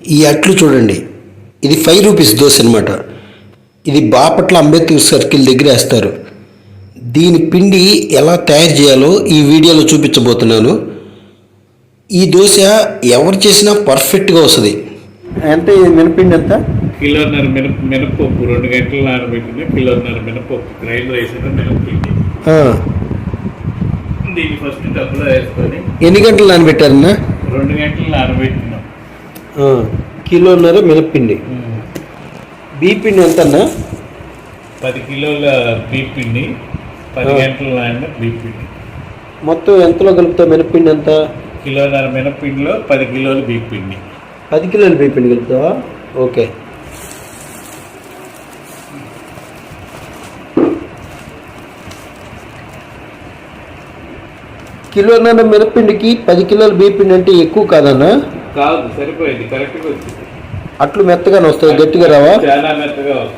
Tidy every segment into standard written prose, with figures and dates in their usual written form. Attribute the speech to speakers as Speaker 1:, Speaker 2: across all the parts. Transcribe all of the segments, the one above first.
Speaker 1: ఈ అట్లు చూడండి, ఇది 5 రూపీస్ దోశ అనమాట. ఇది బాపట్ల అంబేద్కర్ సర్కిల్ దగ్గర వేస్తారు. దీని పిండి ఎలా తయారు చేయాలో ఈ వీడియోలో చూపించబోతున్నాను. ఈ దోశ ఎవరు చేసినా పర్ఫెక్ట్గా వస్తుంది. ఎంత మినపిండి ఎంత?
Speaker 2: కిలోన్నర మినపప్పు 2 గంటలు నానబెట్టిన కిలోన్నర మినపప్పు గ్రైండర్ వేసిన మినపిండి. దీన్ని ఫస్ట్ డబ్బులో వేసుకొని.
Speaker 1: ఎన్ని గంటలు నానబెట్టారన్నా?
Speaker 2: 2 గంటలు నానబెట్టినాం.
Speaker 1: కిలోన్నర మినపిండి. బీపిండి ఎంత అన్నా?
Speaker 2: 10 కిలోల బీపిండి, 10 గంటలు నానిన బీపిండి.
Speaker 1: మొత్తం ఎంతలో కలుపుతావు మినపిండి ఎంత?
Speaker 2: కిలోన్నర మినపిండిలో 10 కిలోలు బీపిండి.
Speaker 1: 10 కిలోలు బీపిండి కలుపుతావా? ఓకే. కిలోన్నర మినపిండికి 10 కిలోల బీపిండి అంటే ఎక్కువ కాదన్నా?
Speaker 2: కాదు, సరిపోయింది, కరెక్ట్గా వచ్చింది.
Speaker 1: అట్లు మెత్తగానే వస్తాయి, గట్టిగా రావా?
Speaker 2: చాలా మెత్తగా వస్తుంది.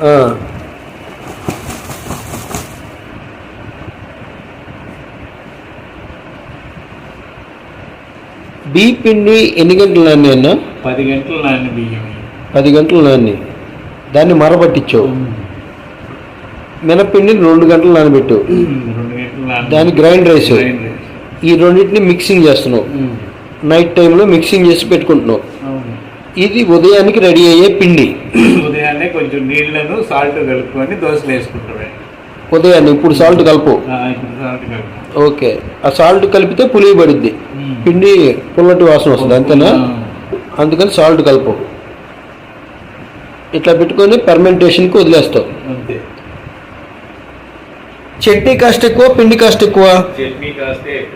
Speaker 1: బీపిండి ఎన్ని గంటలు నాని అన్న?
Speaker 2: 10 గంటలు నాని బియ్యం.
Speaker 1: 10 గంటలు నాని దాన్ని మరబట్టించావు. మినపిండి 2 గంటలు నానబెట్టు.
Speaker 2: 2 గంటలు
Speaker 1: దాన్ని గ్రైండర్ వేసావు. ఈ రెండింటిని మిక్సింగ్ చేస్తున్నావు. నైట్ టైంలో మిక్సింగ్ చేసి పెట్టుకుంటున్నావు. ఇది ఉదయానికి రెడీ అయ్యే పిండి.
Speaker 2: ఉదయాన్నే కొంచెం నీళ్లను సాల్ట్ కలుపుకొని దోశలు వేసుకుంటామే.
Speaker 1: ఉదయాన్నే ఇప్పుడు సాల్ట్ కలుపు. ఓకే. ఆ సాల్ట్ కలిపితే పులిగి పడుద్ది, పిండి పుల్లటి వాసన వస్తుంది, అంతేనా? అందుకని సాల్ట్ కలుపు. ఇట్లా పెట్టుకొని ఫర్మెంటేషన్కి వదిలేస్తావు.
Speaker 2: అంతే.
Speaker 1: చట్నీ కాస్ట్ ఎక్కువ, పిండి కాస్ట్ ఎక్కువ?
Speaker 2: చట్నీ కాస్టే ఎక్కువ.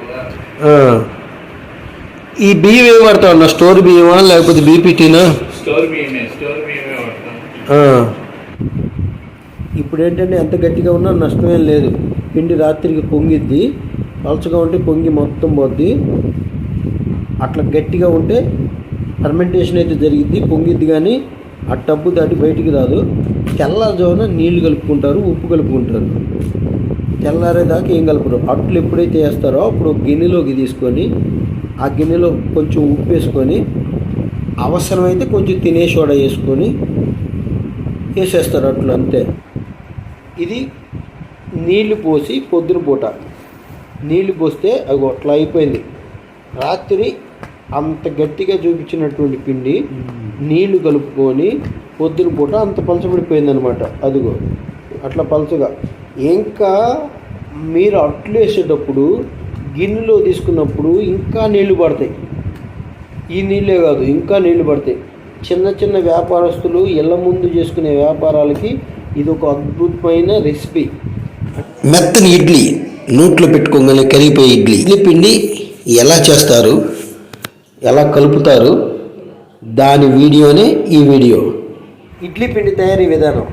Speaker 1: ఈ బియ్యం ఏమి వాడతావు అన్న? స్టోర్ బియ్యమా లేకపోతే బీపీటీనా?
Speaker 2: స్టోర్ బియ్యమే వాడతాం.
Speaker 1: ఇప్పుడు ఏంటంటే ఎంత గట్టిగా ఉన్నా నష్టమేం లేదు. పిండి రాత్రికి పొంగిద్ది, పలచగా ఉంటే పొంగి మొత్తం పోద్ది. అట్లా గట్టిగా ఉంటే ఫర్మెంటేషన్ అయితే జరిగిద్ది, పొంగిద్ది, కానీ ఆ టబ్బు దాటి బయటికి రాదు. తెల్లారుజామున నీళ్లు కలుపుకుంటారు, ఉప్పు కలుపుకుంటారు. తెల్లారేదాకా ఏం కలుపురు. అట్లు ఎప్పుడైతే వేస్తారో అప్పుడు గిన్నెలోకి తీసుకొని ఆ గిన్నెలో కొంచెం ఉప్పు వేసుకొని, అవసరమైతే కొంచెం తినే సోడా వేసుకొని వేసేస్తారు అట్లు, అంతే. ఇది నీళ్లు పోసి పొద్దున పూట నీళ్లు పోస్తే అది అట్లా అయిపోయింది. రాత్రి అంత గట్టిగా చూపించినటువంటి పిండి నీళ్లు కలుపుకొని పొద్దున పూట అంత పలచబడిపోయింది అనమాట. అదిగో అట్లా పలచగా. ఇంకా మీరు అట్లు వేసేటప్పుడు గిన్నెలో తీసుకున్నప్పుడు ఇంకా నీళ్లు పడతాయి. ఈ నీళ్ళే కాదు, ఇంకా నీళ్లు పడతాయి. చిన్న చిన్న వ్యాపారస్తులు ఇళ్ల ముందు చేసుకునే వ్యాపారాలకి ఇది ఒక అద్భుతమైన రెసిపీ. మెత్తని ఇడ్లీ, నోట్లో పెట్టుకోగానే కరిగిపోయే ఇడ్లీ. ఇడ్లీ పిండి ఎలా చేస్తారు, ఎలా కలుపుతారు, దాని వీడియోనే ఈ వీడియో. ఇడ్లీ పిండి తయారీ విధానం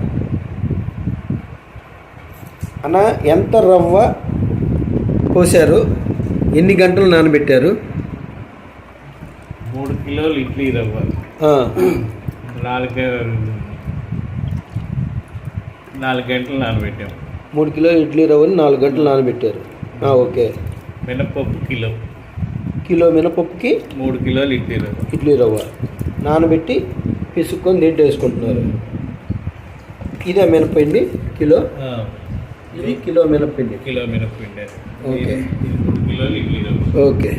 Speaker 1: అన్న. ఎంత రవ్వ పోసారు, ఎన్ని గంటలు నానబెట్టారు?
Speaker 2: 3 కిలోలు ఇడ్లీ రవ్వ 4 గంటలు నానబెట్టాము.
Speaker 1: 3 కిలోలు ఇడ్లీ రవ్వని 4 గంటలు నానబెట్టారు. ఓకే.
Speaker 2: మినపప్పు
Speaker 1: కిలో మినపప్పుకి
Speaker 2: 3 కిలోలు
Speaker 1: ఇడ్లీ రవ్వ నానబెట్టి పిసుక్కొని దీంట్లో వేసుకుంటున్నారు. ఇదే మినపిండి కిలో. ఇది కిలో మినపిండి. ఓకే.
Speaker 2: 3 కిలోలు ఇడ్లీ రవ్వ.
Speaker 1: ఓకే.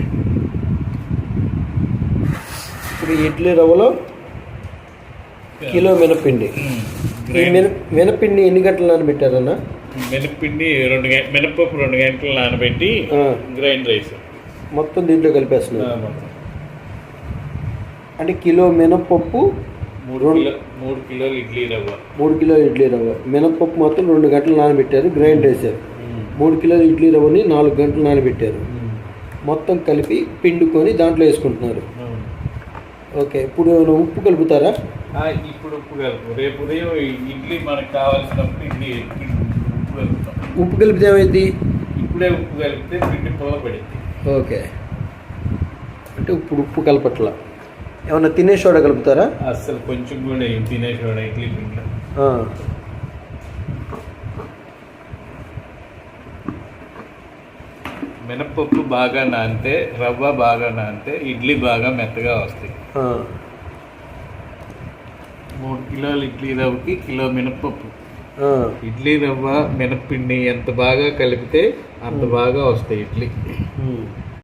Speaker 1: ఇప్పుడు ఇడ్లీ రవ్వలో కిలో మినపిండి. ఈ మినపిండి ఎన్ని గంటలు నానబెట్టారన్నా?
Speaker 2: మినపిండి మినపప్పు 2 గంటలు నానబెట్టి గ్రైండర్ వేసాం.
Speaker 1: మొత్తం దీంట్లో కలిపేస్తున్నారు. అంటే కిలో మినపప్పు
Speaker 2: 3 కిలోలు ఇడ్లీ రవ్వ.
Speaker 1: 3 కిలోలు ఇడ్లీ రవ్వ. మినపప్పు మొత్తం 2 గంటలు నానబెట్టారు, గ్రైండ్ వేసారు. 3 కిలోలు ఇడ్లీ రవ్వని 4 గంటలు నానబెట్టారు. మొత్తం కలిపి పిండుకొని దాంట్లో వేసుకుంటున్నారు. ఓకే. ఇప్పుడు ఉప్పు కలుపుతారా?
Speaker 2: ఇప్పుడు ఉప్పు కలుపు. రేపు ఉదయం ఇడ్లీ మనకు కావాల్సినప్పుడు ఉప్పు కలుపుతాం.
Speaker 1: ఉప్పు కలిపితే ఏమైంది?
Speaker 2: ఇప్పుడే ఉప్పు కలిపితే పిండి పొల పడింది.
Speaker 1: ఓకే. అంటే ఇప్పుడు ఉప్పు కలపట్లా. ఏమన్నా తినే సోడా కలుపుతారా?
Speaker 2: అసలు కొంచెం కూడా తినే సోడా ఇడ్లీ పిండిలో. మినపప్పు బాగా నానితే, రవ్వ బాగా నానితే ఇడ్లీ బాగా మెత్తగా వస్తాయి. 3 కిలోలు ఇడ్లీ రవ్వకి కిలో మినపప్పు.
Speaker 1: ఆ,
Speaker 2: ఇడ్లీ రవ్వ మినప్పిండి ఎంత బాగా కలిపితే అంత బాగా వస్తాయి ఇడ్లీ.
Speaker 1: ఉమ్.